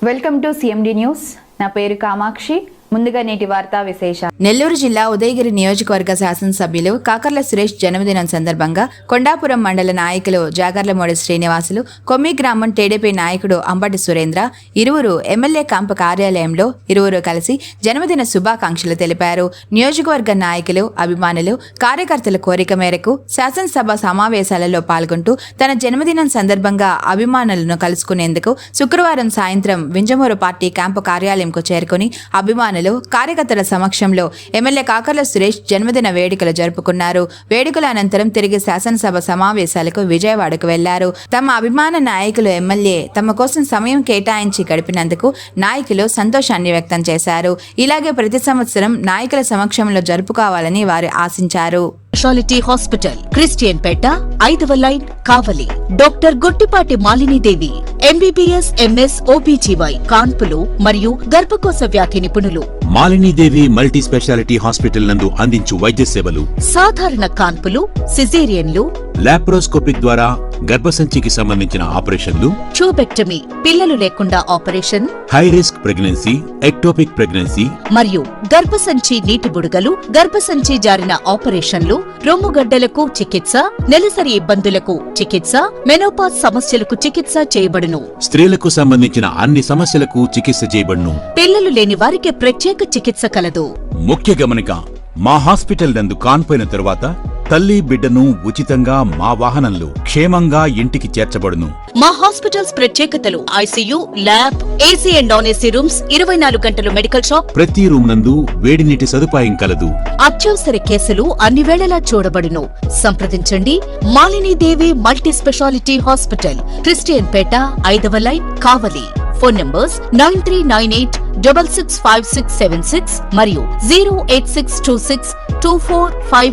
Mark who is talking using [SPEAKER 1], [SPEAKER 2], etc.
[SPEAKER 1] Welcome to CMD news. నా పేరు కామాక్షి. ముందుగా నేటి వార్తా విశేషాలు.
[SPEAKER 2] నెల్లూరు జిల్లా ఉదయగిరి నియోజకవర్గ శాసనసభ్యులు కాకర్ల సురేష్ జన్మదినం సందర్భంగా కొండాపురం మండల నాయకులు జాగర్లమూడి శ్రీనివాసులు, కొమ్మి గ్రామం టీడీపీ నాయకుడు అంబటి సురేంద్ర ఇరువురు ఎమ్మెల్యే క్యాంపు కార్యాలయంలో ఇరువురు కలిసి జన్మదిన శుభాకాంక్షలు తెలిపారు. నియోజకవర్గ నాయకులు, అభిమానులు, కార్యకర్తల కోరిక మేరకు శాసనసభ సమావేశాలలో పాల్గొంటూ తన జన్మదినం సందర్భంగా అభిమానులను కలుసుకునేందుకు శుక్రవారం సాయంత్రం వింజమూరు పార్టీ క్యాంపు కార్యాలయంకు చేరుకుని అభిమానులు, కార్యకర్తల సమక్షంలో ఎమ్మెల్యే కాకర్ల సురేష్ జన్మదిన వేడుకలు జరుపుకున్నారు. వేడుకల అనంతరం తిరిగి శాసనసభ సమావేశాలకు విజయవాడకు వెళ్లారు. తమ అభిమాన నాయకులు ఎమ్మెల్యే తమ కోసం సమయం కేటాయించి గడిపినందుకు నాయకులు సంతోషాన్ని వ్యక్తం చేశారు. ఇలాగే ప్రతి సంవత్సరం నాయకుల సమక్షంలో జరుపుకోవాలని వారు ఆశించారు.
[SPEAKER 3] స్పెషాలిటీ హాస్పిటల్, క్రిస్టియన్ పేట, 5వ line, Kavali. Doctor Gottipati Malinidevi, MBBS, MS, OBGY, కాన్పులు మరియు గర్భకోశ వ్యాధి నిపుణులు.
[SPEAKER 4] మాలినీదేవి మల్టీ స్పెషాలిటీ హాస్పిటల్ నందు అందించు వైద్య సేవలు:
[SPEAKER 3] సాధారణ కాన్పులు, సిజేరియన్లు,
[SPEAKER 4] లాప్రోస్కోపిక్ ద్వారా గర్భసంచికి సంబంధించిన ఆపరేషన్లు,
[SPEAKER 3] ట్యూబెక్టమీ, పిల్లలు లేకుండా operation,
[SPEAKER 4] high risk pregnancy, ectopic pregnancy
[SPEAKER 3] మరియు గర్భసంచి నీటి బుడగలు, గర్భసంచి జారిన ఆపరేషన్లు, రొమ్ముగడ్డలకు చికిత్స, నెలసరి ఇబ్బందులకు చికిత్స, మెనోపాజ్ సమస్యలకు చికిత్స చేయబడును.
[SPEAKER 4] స్త్రీలకు సంబంధించిన అన్ని సమస్యలకు చికిత్స చేయబడును.
[SPEAKER 3] పిల్లలు లేని వారికి ప్రత్యేక చికిత్స కలదు.
[SPEAKER 4] ముఖ్య గమనిక: మా హాస్పిటల్ నందు కాన్పోయిన తరువాత తల్లి బిడ్డను ఉచితంగా మా వాహనంలో క్షేమంగా ఇంటికి చేర్చబడును.
[SPEAKER 3] మా హాస్పిటల్స్ ప్రత్యేకతలు: ICU, lab, AC and non AC rooms, 24 గంటలు మెడికల్ షాప్,
[SPEAKER 4] ప్రతి రూమ్ నందు వేడి నీటి సదుపాయం కలదు.
[SPEAKER 3] అత్యవసర కేసులు అన్ని వేళలా చూడబడును. సంప్రదించండి. Malinidevi multi speciality hospital, Christian Peta, 5వ లైన్, కావలి. ఫోన్ నంబర్స్ 9398665676 మరియు 086262455